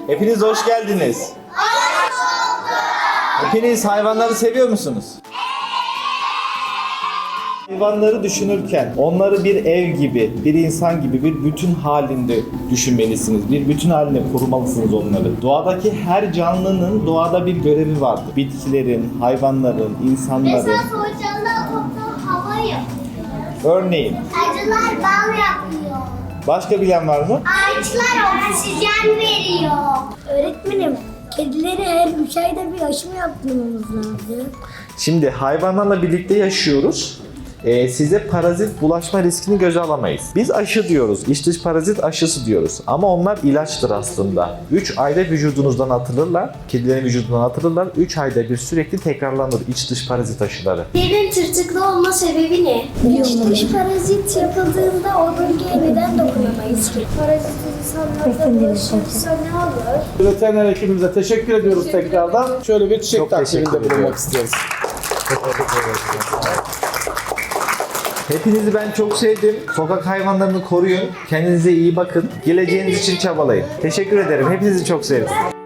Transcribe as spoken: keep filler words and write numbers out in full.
Hepiniz hoş geldiniz. Hepiniz hayvanları seviyor musunuz? Hayvanları düşünürken onları bir ev gibi, bir insan gibi, bir bütün halinde düşünmelisiniz. Bir bütün halinde korumalısınız onları. Doğadaki her canlının doğada bir görevi vardır. Bitkilerin, hayvanların, insanların. Mesela solucanlar toplam hava yapıyor. Örneğin. Arılar bal yapıyor. Başka bilen var mı? Ağaçlar oksijen veriyor. Öğretmenim, kedileri her üç ayda bir aşı mı yaptırmamız lazım? Şimdi hayvanlarla birlikte yaşıyoruz. Ee, size parazit bulaşma riskini göze alamayız. Biz aşı diyoruz, iç dış parazit aşısı diyoruz. Ama onlar ilaçtır aslında. üç ayda vücudunuzdan atılırlar, kedilerin vücudundan atılırlar. üç ayda bir sürekli tekrarlanır iç dış parazit aşıları. Kedinin tırtıklı olma sebebi ne? İç dış parazit yapıldığında o bölgeye neden dokunamayız ki? Parazit insanlarda bulaşırsa ne olur? Veteriner hekimimize teşekkür ediyoruz tekrardan. Şöyle bir çiçek Çok teşekkür takdiminde bulunmak ediyorum. istiyoruz. Hepinizi ben çok sevdim. Sokak hayvanlarını koruyun. Kendinize iyi bakın. Geleceğiniz için çabalayın. Teşekkür ederim. Hepinizi çok sevdim.